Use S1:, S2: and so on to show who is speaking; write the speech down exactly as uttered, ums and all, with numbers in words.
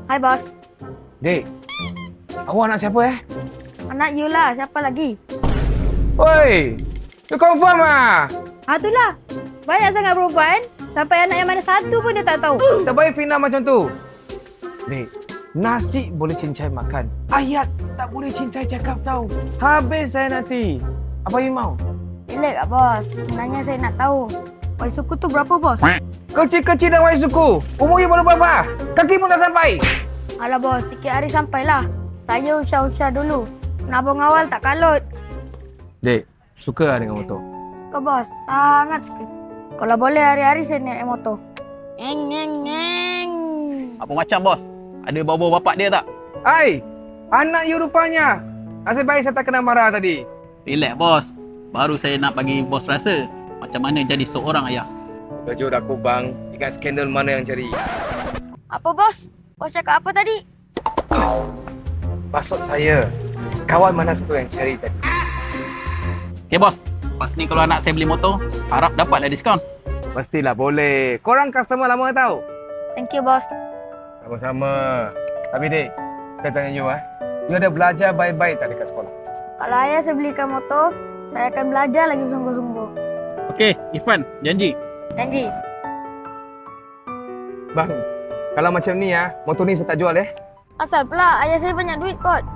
S1: Hai bos.
S2: Dek, awak anak siapa eh?
S1: Anak you lah, siapa lagi?
S2: Oi, you confirm ah?
S1: Ah itulah. Banyak sangat perempuan. Sampai anak yang mana satu pun dia tak tahu.
S2: Tak baik Fina macam tu. Dek, nasi boleh cincai makan. Ayat tak boleh cincai cakap tahu. Habis saya nanti. Apa you mau?
S1: Relax kak bos. Sebenarnya saya nak tahu. Wai suku tu berapa bos?
S2: Kecil-kecil dan wai suku. Umur you baru berapa? Kaki pun tak sampai.
S1: Alah bos, sikit hari sampailah. Saya usah-usah dulu. Nabung awal tak kalut.
S2: Dek, suka lah dengan motor?
S1: Suka bos, sangat suka. Kalau boleh hari-hari saya naik motor. Eng, eng, eng.
S3: Apa macam bos? Ada bau-bau bapak dia tak?
S2: Hai, anak you rupanya. Nasib baik saya tak kena marah tadi.
S3: Relax bos. Baru saya nak bagi bos rasa macam mana jadi seorang ayah.
S2: Kejut aku bang, ingat skandal mana yang cari.
S1: Apa bos? Bos cakap apa tadi?
S2: Maksud saya, kawan mana satu yang cari tadi?
S3: Okay bos, lepas ni kalau anak saya beli motor, harap dapatlah diskaun.
S2: Pastilah boleh. Korang customer lama tahu?
S1: Thank you bos.
S2: Sama-sama. Tapi dek, saya tanya you ah, you ada belajar baik-baik tak dekat sekolah?
S1: Kalau ayah saya belikan motor, saya akan belajar lagi bersungguh-sungguh.
S3: Okey, Irfan, janji.
S1: Janji.
S2: Bang, kalau macam ni ah, motor ni saya tak jual eh.
S1: Asal pula ayah saya banyak duit kot.